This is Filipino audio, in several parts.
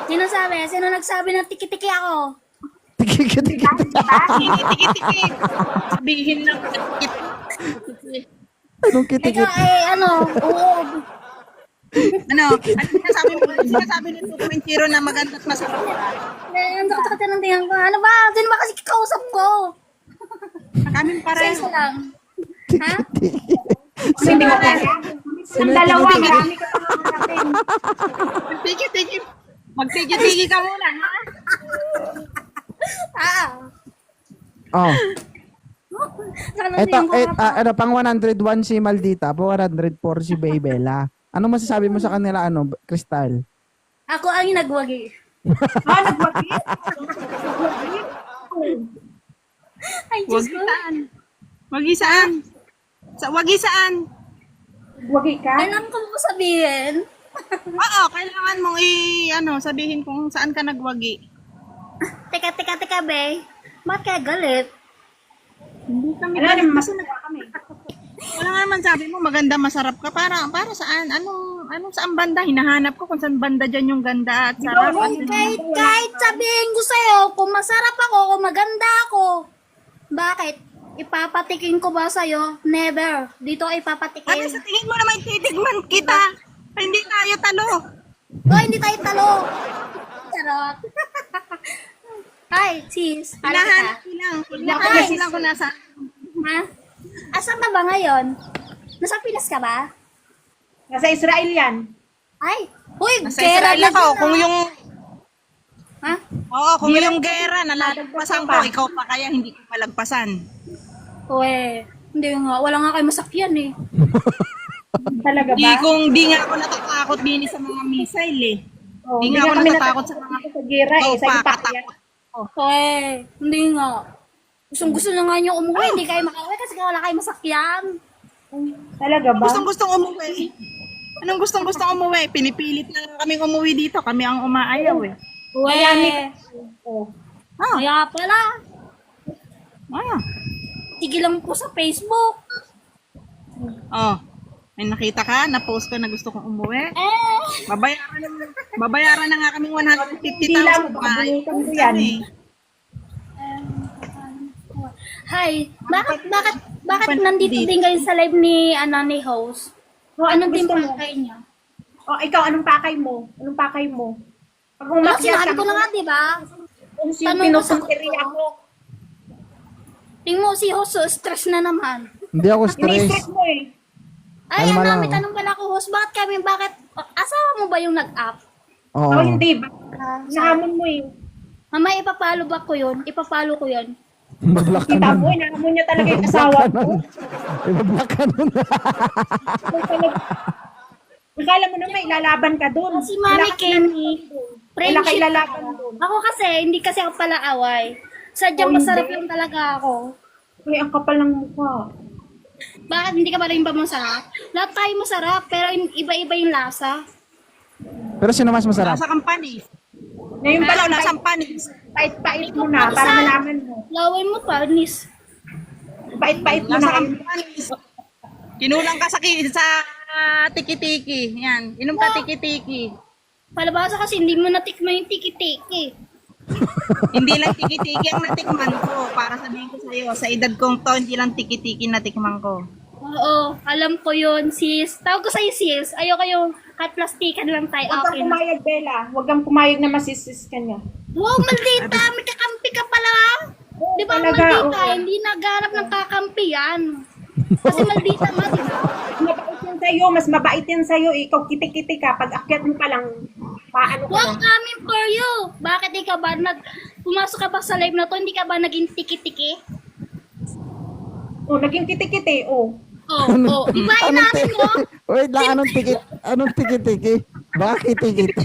Sino sabi? Sino nagsabi na tiki-tiki ako? Tiki-tiki. Tiki-tiki. Sabihin lang. Anong Ikaw kitikit? ano, uog. Ano sinasabi mo? Sinasabi ni 2.0 na maganda at masarap. Ang takot ng tingnan ko. Ano ba? Sino ba kasi kausap ko? Kaming Sa pareho. isa lang. Ha? Hindi ko kaya. Ang dalawa, marami ka pang hanapin. Tiki-tiki. Magtiki-tiki ka muna, ha? Ah. Oh. Saka ng Eto, tingnan ko. ano, pang 101 si Maldita, po 104 si Baybella. Ano masasabi mo sa kanila, ano, Crystal? Ako ang nagwagi. Nagwagi. Ay, Wag Diyos ko. saan. Wag saan. Wag saan. Wagi ka? Alam ko mo sabihin. Oo, kailangan mong sabihin kung saan ka nagwagi. Teka, be. Ba't kaya galit? Hindi kami. Wala naman, masunawa kami. Wala nga naman sabi mo, maganda, masarap ka. Para saan? Anong saan banda? Hinahanap ko kung saan banda dyan yung ganda at sarap. Kahit sabihin ko sa'yo, kung masarap ako, kung maganda ako. Bakit? Ipapatikin ko ba sa'yo? Never. Dito Ano ipapatikin. sa tingin mo naman titigman kita? Hindi tayo talo. Oh, hindi tayo talo. Charot. Hi, sis. Hala Hinahanap kita. ko lang. Ay. Hinahanap ko lang kung nasa. Ha? Asan ka ba ngayon? Nasa Pinas ka ba? Nasa Israel yan. Ay, huy, Nasa gera Israel na ako. dyan, Kung ah. yung, Ha? kung yung gera, nalagpasan ko, ikaw pa kaya hindi ko malagpasan. Uwe, hindi nga. Wala nga kayo masakyan eh. Talaga ba? Di nga ako natatakot din sa mga missile eh. Oh, Hindi nga ako kami natatakot sa mga sa gira eh. Sa pa, impact yan. katakot. Uwe, hindi nga. Gusto na nga niyo umuwi, hindi kayo makauwi kasi wala kayo masakyan. Talaga ba? Gustong umuwi. Anong gustong umuwi? Pinipilit na lang kaming umuwi dito. Kami ang umaayaw eh. Uwe, Oh. kaya pala. Ah. Sige lang po sa Facebook. Oh. May nakita ka? Na-post ko na gusto kong umuwi. Eh, Babayaran na nga kaming Hindi lang, 150,000. pabunutan ko yan. hi. Bakit nandito din kayo sa live ni host? Oh, Anong gusto team mo? pakay niya? Oh, ikaw, anong pakay mo? Anong pakay mo? Pag Ano, umakyat sinabi ko na nga, di ba? kung Tanong sino ko pinupuntiri sa- ako. Tingnan mo si host, so stress na naman. Hindi ako stress. Ini-stress mo eh. Ay, Kalma ano, lang, may oh. tanong pala ako, host. Bakit, asawa mo ba yung nag-up? Oo. Oh, hindi ba? Nahamon mo eh. Mama, ipapalo ba ko yun? Ipapalo ko yun. Mag-block ka Kita nun. mo, nahamon niya talaga yung asawa ko. Mag-block ka nun. Akala mo naman, ilalaban ka doon. Si Mami Kenny, Wala ka friendship. ilalaban doon. Ako kasi, hindi kasi ako pala away. Sadyang Oh, masarap hindi. lang talaga ako. Ay, ang kapal ng mukha. Bakit hindi ka ba rin ba masarap? Lahat tayo masarap, pero iba-iba yung lasa. Pero sino mas masarap? Nasa kampanis. Ngayon pala, Nasa kampanis. pait-pait mo na para malaman mo. Lawin mo pa, nis. Pait-pait mo Nasa na. kampanis. Kinulang ka sa tiki-tiki. Yan. Inom ka tiki-tiki. Palabasa kasi hindi mo natikman yung tiki-tiki. Hindi lang tiki-tiki ang natikman ko. Para sabihin ko sa'yo, sa edad kong to, hindi lang tiki-tiki natikman ko. Oo, alam ko yun, sis. Tawag ko sa'yo, sis. Ayoko yung plastikan lang tayo. Huwag kang Okay na. pumayag, Bella. Huwag kang pumayag na masisis ka niya. Wow, maldita! May kakampi ka pala! Di ba, talaga, maldita? oo. Hindi naghanap ng kakampi yan. Kasi maldita nga, di ba? Mabait yan sa'yo. Mas mabait yan sa'yo. Ikaw, kitik-kitik ka. Pag akyat mo pa lang, paano ka Wow, na? coming for you! Bakit di ka ba pumasok ka ba sa live na to, hindi ka ba naging tiki-tiki? Oh, naging kitik-kiti. Oh. Oo. Di ba inamin mo? Wait lang, anong tiki-tiki? Bakit tiki-tiki?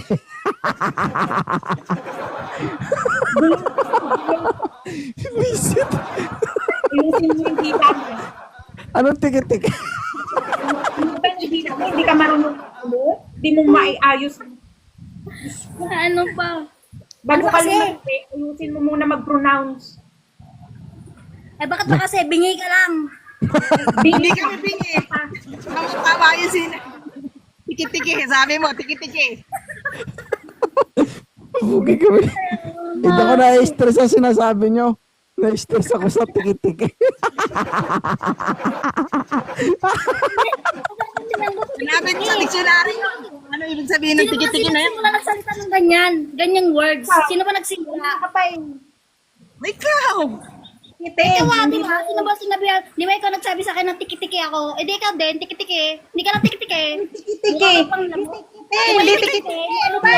Visit. Ayusin mo yung hita mo. Anong tiki-tiki? Ano ba yung hita mo? Hindi ka marunong mo? Hindi mo maiayos. Ano pa? Bago Ano ka kasi? lumaki, ayusin mo muna mag-pronounce. Eh bakit ba kasi bingi ka lang? Hindi kami bingi. Tama yun sila. Tiki-tiki. Sabi mo, tiki-tiki. Okay kami. Hindi ako na-stress sa sinasabi nyo. Na-stress ako sa tiki-tiki. Sinabi niyo sa dictionary yun. Ano ibig sabihin ng tiki-tiki na yan? Sino ba nagsalita ng ganyan? Ganyang words? Sino ba nagsimula? Ikaw! Kite. Ikaw, di ba? Sino ba sinabi? Di ba ikaw nagsabi sa akin ng tiki-tiki ako? Eh di ikaw din, tiki-tiki. Hindi ka na tiki-tiki. Tiki. Mukha ka pang lamok. Hindi tiki-tiki. Ano ba?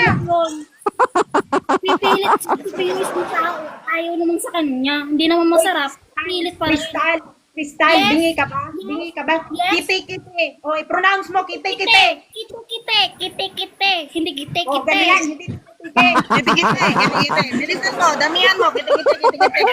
Pipilit mo sa ayaw naman sa kanya. Hindi naman masarap. Pilit pa rin. Crystal, Yes. bingi ka ba? Bingi ka ba? Yes. Kite. O, i-pronounce mo, kite. Kite. Hindi kite. O, ganyan, hindi kite. Kiti-kiti. Bilisan mo, damihan mo. Kiti-kiti.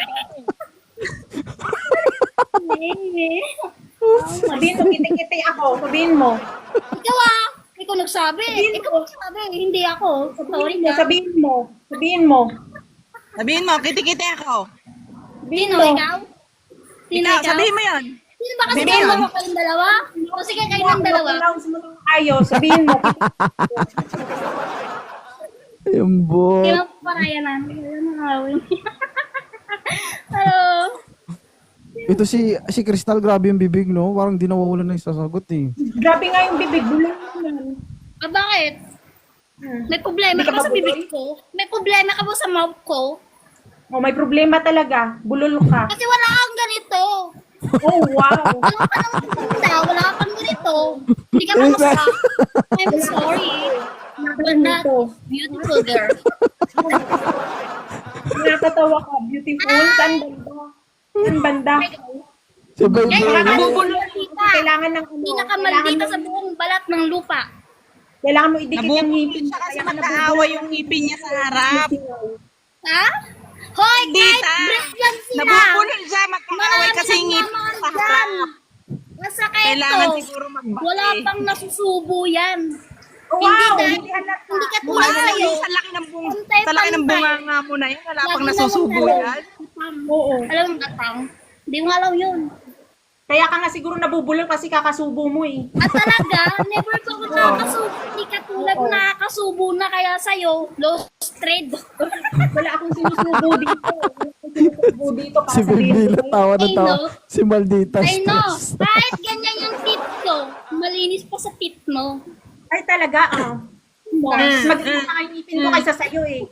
Sabihin mo, kite ako. Sabihin mo. Ikaw ikaw nagsabi. Ikaw nagsabi. Hindi ako. Sorry ka. Sabihin mo. Sabihin mo. Sabihin mo, kiti-kiti ako. Sino ikaw? Sino Ikaw, ikaw? sabihin mo yun. Sino ba kasi Sabihin kayo mo. mga kayong dalawa? O sige kayo ng dalawa. I-pronounce mo ng ayos. Sabihin mo. Yung bot. Kaya paraya namin. Ayun ang awin. Hello. Ito si Crystal, grabe yung bibig, no? Parang di nawawala na yung sasagot, eh. Grabe nga yung bibig. Bulang naman. Bakit? May problema Hindi ka ka ba sa ba bibig ko? May problema ka ba sa mouth ko? O, may problema talaga. Bulol ka. Kasi wala kang ganito. Oh, wow. Wala ka nang maganda. Wala kang ganito. Hindi ka masarap. I'm sorry. But not beautiful girl. Nakakatawa ka. Beautiful. Saan banda? Saan banda? Si Baby. Pinakamaldita. Kailangan ng ano. Pinakamaldita sa buong balat ng lupa. Kailangan mo idikit yung ngipin. Siya kasi mag-aaway yung ngipin niya sa harap. Ha? Hoy, guys! Dita. Break lang sila! Nabubulol siya, mag-aaway kasi yung ngipin nagmamahal sa dyan. harap. Masakit Kailangan to. siguro magbati. Wala pang nasusubo yan. Oh, Hindi wow. dahil- Hindi halata. Hindi ka tulad sa'yo. Sa laki ng bunga, Pantay, sa laki ng pantay. bunga nga mo na yan, wala pang Lagi nasusubo naman yan. Oo. Alam mo katang? Hindi mo alam yun. Kaya ka nga siguro nabubulol kasi kakasubo mo eh. At talaga, never ko nakakasubo. Hindi ka tulad Oo. nakakasubo na kaya sa'yo. Lost trade. Wala akong sinusubo dito. Wala akong sinusubo dito para Si sabihin Baby ko. na tawa na I tawa. know. Si Maldita I know. stress. Kahit ganyan yung tit ko, malinis pa sa tit mo. Ay talaga ah. Mas maganda nga yung ngipin ko kaysa sa'yo eh.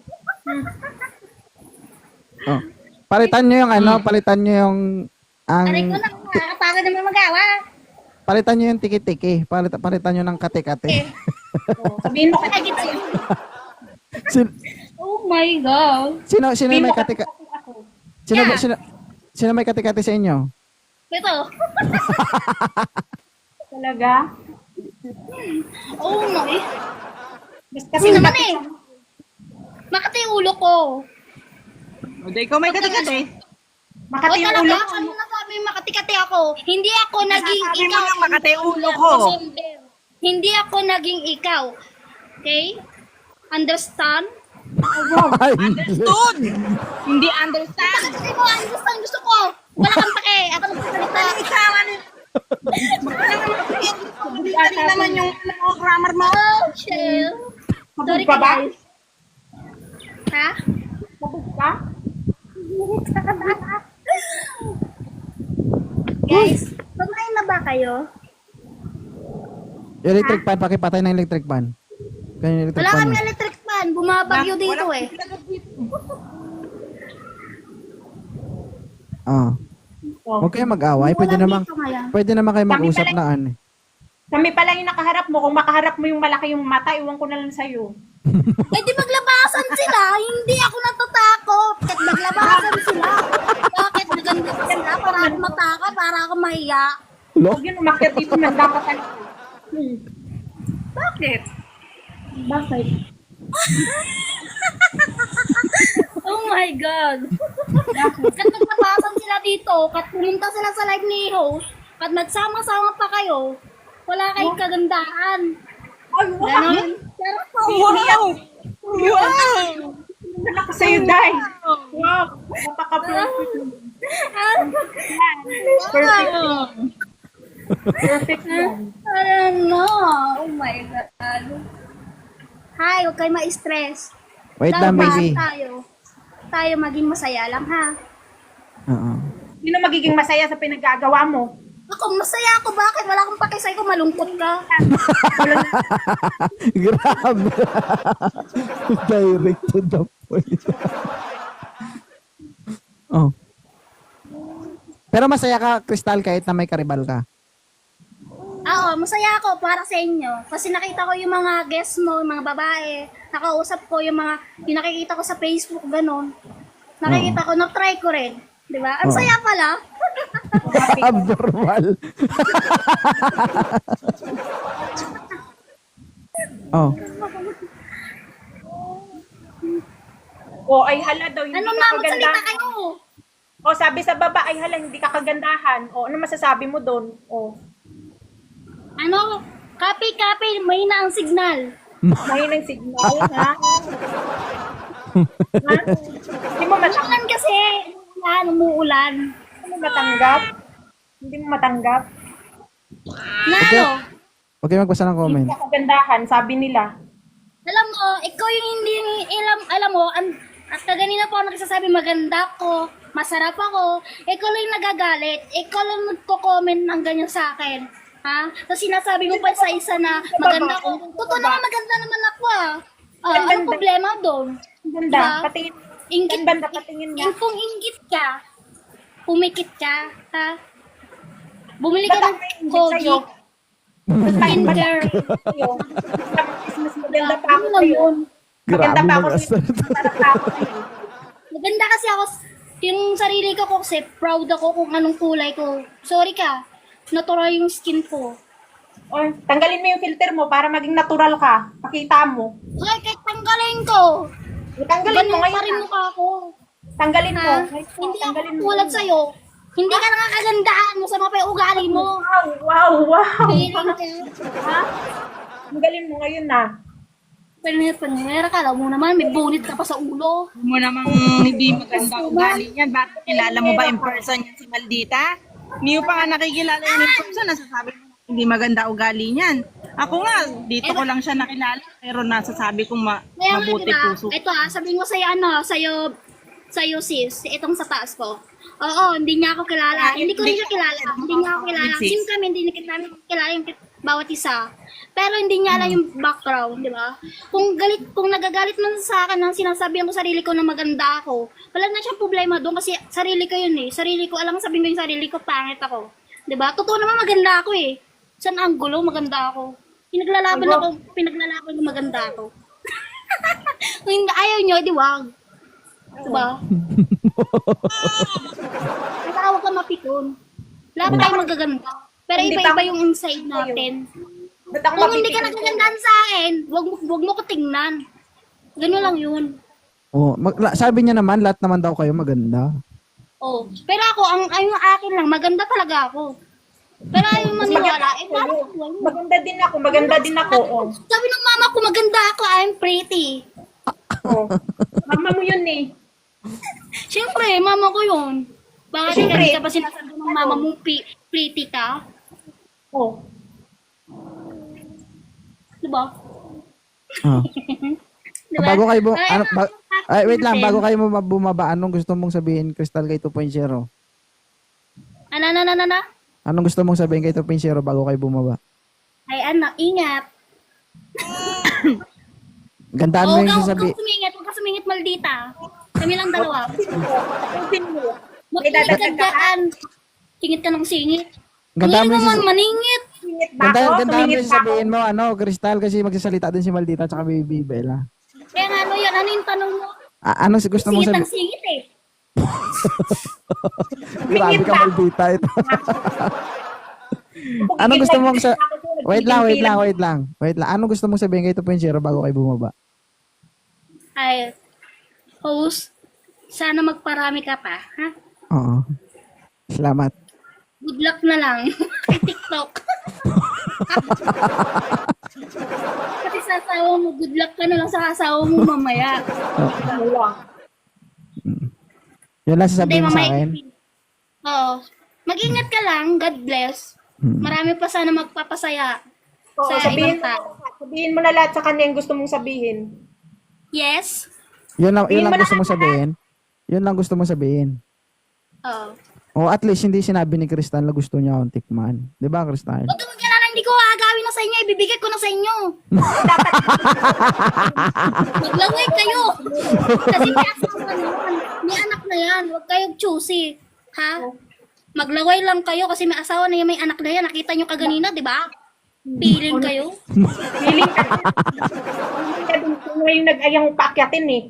Oh. Palitan nyo yung ano, palitan nyo yung Aray ko ang na, nakakapagod naman magawa. palitan nyo yung tiki-tiki. Palitan nyo ng kate-kate. Sabihin mo Ay, kasi gets you. Sin- Oh my God. sino sabihin may mo kasi kate-kate? ako. Sino may kate-kate sa inyo? Ito. Talaga? Oh my. Basta Kasi naman eh. Makati yung ulo ko. O, di ikaw may kati-kati. O Makati yung talaga, ulo ko. ano nasabi makati-kati ako? Hindi ako naging Sabi mo ikaw. lang makati yung ulo ko. Hindi ako naging ikaw. Okay? Understand? Ay, Understood! Hindi understand. Bakit hindi mo understand gusto ko? Wala kang pake. Ako nagsasalita. Isama ni... Hindi naman yung grammar mo. Oh, chill. Sorry Sabog ka ba? guys. Ha? Sabog ka? Guys, kumain na ba kayo? electric fan, pakipatay ng electric fan. Kaya yung electric Wala fan. kami electric fan. Bumabagyo dito eh. Ah. Oh. Huwag kayo mag-away. Walang dito ngayon. Pwede naman kayo mag-usap Kami na ano. Kami pala yung nakaharap mo. Kung makaharap mo yung malaki yung mata, iwan ko na lang sa'yo. Eh di maglabasan sila. Hindi ako natatakot. Kahit maglabasan sila. Bakit maganda pa sila? Para ako mataka, para ako mahiya. Lo? Huwag yun, umakyat dito man dapat talaga. Bakit? Bakit? Oh my God. Kat naglabasan sila dito, kat pumunta sila sa live ni host, kat nagsama-sama pa kayo, wala kayong kagandaan. Ay, wow! Ganon. Pero po, Wow! Wow! Wala ko sa'yo, Day. Wow! Napaka-perfect. Perfect. Perfect yan. I don't know. Oh my God. Hi, huwag kayo ma-stress. Wait lang, Dapat baby. tayo maging masaya lang, ha? Oo. Sino magiging masaya sa pinagagawa mo? Ako, masaya ako. Bakit? Wala akong pakisay ko. Malungkot ka. Grabe. Direct to the point. Oh. Pero masaya ka, Crystal, kahit na may karibal ka. Oo, masaya ako para sa inyo. Kasi nakita ko yung mga guests mo, yung mga babae. Nakausap ko yung nakikita ko sa Facebook, ganun. Nakikita ko, na-try ko rin. Di ba? Ang Oo. saya pala. Abnormal. Oh. O ay hala daw, hindi Ano ka na, magsalita kagandahan. kayo. O sabi sa baba, ay hala, hindi ka kagandahan. O ano masasabi mo doon? O, Ano? Copy, may na ang signal. mahinang signal, ha? Ha? Hindi mo matanggap? Umuulan kasi. Umuulan. Hindi mo matanggap? Hindi mo matanggap? Na ano? Huwag kayo magbasa ng Hindi comment. ka kagandahan, sabi nila. Alam mo, ikaw yung hindi, alam mo, at kaganina po ako nagsasabi maganda ko, masarap ako, ikaw lang yung nagagalit, ikaw lang nagko-comment ng ganyan sa akin. Ha? Tapos sinasabi mo pa sa isa na maganda ko. Totoo naman, maganda naman ako ah. Anong problema doon? Ang ganda. Diba? Patingin. Ingit, Ang ganda, patingin nga. kung inggit ka, pumikit ka, ha? Bumili ka Ba't ng ako ingit Kogi, sa'yo? Kinder. Sa'yo. Mas maganda pa ako Ano lang sa'yo. yun? Maganda Grabe pa ako mag-asar. sa'yo. Masarap pa ako sa'yo. Maganda kasi ako, yung sarili ko kasi proud ako kung anong kulay ko. Sorry ka, natural yung skin ko. O, tanggalin mo yung filter mo para maging natural ka. Pakita mo. Ay, kahit tanggalin ko. Tanggalin mo Ganun ngayon. pa rin ah. mukha ko. Tanggalin mo. Ha? Ngayon, Hindi ako tanggalin mo. tulad sa'yo. Hindi ka nakakagandaan mo sa mga pa yung ugali mo. Wow, wow, wow. Feeling ka. Ha? Tanggalin mo ngayon na. Panera ka, alam mo naman, may bunit ka pa sa ulo. Huwag mo namang hindi maganda ugali yan. Bakit kilala mo ba in person yan si Maldita? Hindi mo pa nga nakikilala yan in person. Nasasabi mo hindi maganda ugali niyan. Ako nga, dito ko lang siya nakilala. Pero nasasabi kong Kaya nga, mabuti diba? puso. Ito sabihin ko sa'yo, sa'yo sis, itong sa taas ko. Oo, hindi niya ako kilala. Hindi ko rin siya kilala. Hindi niya ako kilala. Sis. Sim kami, hindi namin kilala yung bawat isa. Pero hindi niya alam yung background, di ba? Kung nagagalit man sa akin nang sinasabihan ko sarili ko na maganda ako, wala na siyang problema doon kasi sarili ko yun eh. Sarili ko, alam mo sabihin ko yung sarili ko, pangit ako. Di ba? Totoo naman maganda ako eh. Saan anggulo, maganda ako. Pinaglalaban ko maganda ako. Kung hindi ayaw nyo, di wag. Diba? Basta huwag ka mapikon. Lahat tayo magaganda. Pero Hindi iba-iba pa- yung inside natin. Ba't ako Kung hindi ka mapipigil? nagagandaan sa akin, wag mo ko tingnan. Ganun lang yun. Oh, sabi niya naman, lahat naman daw kayo maganda. Oh. Pero ako, ang akin lang, maganda talaga ako. Pero ayaw maniwala, paano ko? Maganda din ako, maganda din ako. Oh. Sabi ng mama ko, maganda ako, I'm pretty. Oh. Mama mo yun eh. Siyempre, mama ko yun. Bakit Siyempre. hindi ka pa sinasabi ng mama mo pretty ka? Oh. Diba? Oh. Diba? Bago kayo wait lang, natin. bago kayo bumaba, anong gusto mong sabihin, Crystal, kay 2.0? Ano? Anong gusto mong sabihin kay 2.0 bago kayo bumaba? Ay, ingat. Gandaan mo yung sasabi. Huwag ka sumingit, maldita. Kami lang dalawa. Tapusin mo. May Makinig ka dadagdag ka. dyan. Singit ka ng singit. Gandaan mo Ngayon yung naman, maningit. Tumingit ba ako? Gandaan mo Tumingit yung ba ako? sabihin mo, Crystal, kasi magsasalita din si Maldita at saka Baby Bella. Kaya nga, ano yan? Ano yung tanong mo? Anong gusto mong Singit sabihin? ng singit eh. Grabe ka, Maldita. Ito. Anong gusto mong sa... Wait lang. Anong gusto mong sabihin kay 2.0 bago kayo bumaba? Ay, host, sana magparami ka pa, ha? Oo. Salamat. Good luck na lang. Kay TikTok. Pati sa asawa mo, good luck ka na lang sa asawa mo mamaya. Ano lang. Yun lang sasabihin mo sa akin. Oo. Mag-ingat ka lang. God bless. Marami pa sana magpapasaya Oo, sa sabihin ibang tao. sabihin mo na lahat sa kanya yung gusto mong sabihin. Yes? Yun lang Sabihin mo gusto na mo sabihin. Yun lang gusto mo sabihin. Oo. O at least hindi sinabi ni Crystal na gusto niya akong tikman. 'Di ba, Crystal? Huwag kang mag-alala, hindi ko agawin na sa inyo, ibibigay ko na sa inyo. Maglangay kayo. Kasi may asawa na yan. May anak na yan. Huwag kayong choosy. Ha? Maglaway lang kayo kasi may asawa na yan, may anak na yan. Nakita nyo kaganina, di ba? Piling kayo. Feeling ka. Ngayon nag-ayang paakyatin eh.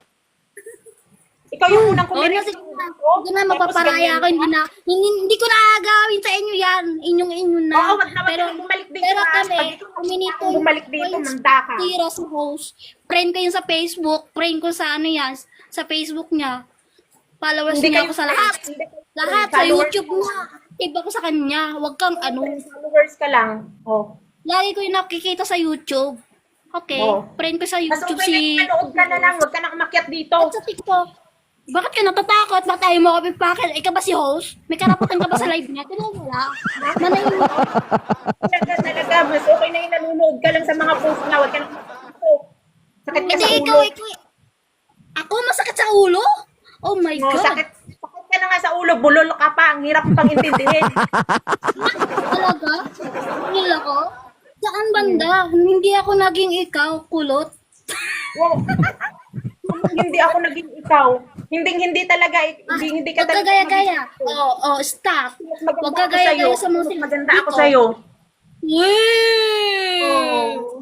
Ikaw yung unang Oo, kumiris. sige na, mapaparaya ako. Hindi ko na agawin sa inyo yan. Inyo na. Oo, wag na bumalik dito. Pero ha. kami, Pag ikaw kuminito bumalik dito, manda ka. tira sa host. Friend ko yun sa Facebook. Friend ko sa ano yan, sa Facebook niya. Followers Hindi niya kayo ako sa lahat. hindi kayo- Lahat sa followers YouTube niya. Iba ko sa kanya. Huwag kang ano. Followers ka lang. Oh. Lagi ko yung nakikita sa YouTube. Okay. Oo. Friend ko sa Mas YouTube okay na manood ka na lang. Huwag ka na umakyat dito. At sa TikTok. Bakit ka natatakot? Bakit tayo mo kapit pakit? Ikaw ba si host? May karapatan ka ba sa live niya? Kaya wala. Manayin mo. Talaga. Mas okay na yung nanonood ka lang sa mga post na. Huwag ka na umakyat dito. Sakit ka Hindi, sa ikaw. ulo. Ako masakit sa ulo? Oh my Oh, God. sakit ka na nga sa ulo. Bulol ka pa. Ang hirap pang intindihin. Talaga? Nil ako? Saan banda? Hindi ako naging ikaw, kulot. Wow. Hindi ako naging ikaw. Hindi talaga. Hindi ka Huwag ka talaga. gaya-gaya. Oo, stop. Mas maganda Huwag ka ako sa'yo. gaya-gaya sa mga Mas maganda ako dito. sa'yo. Wee! Oo.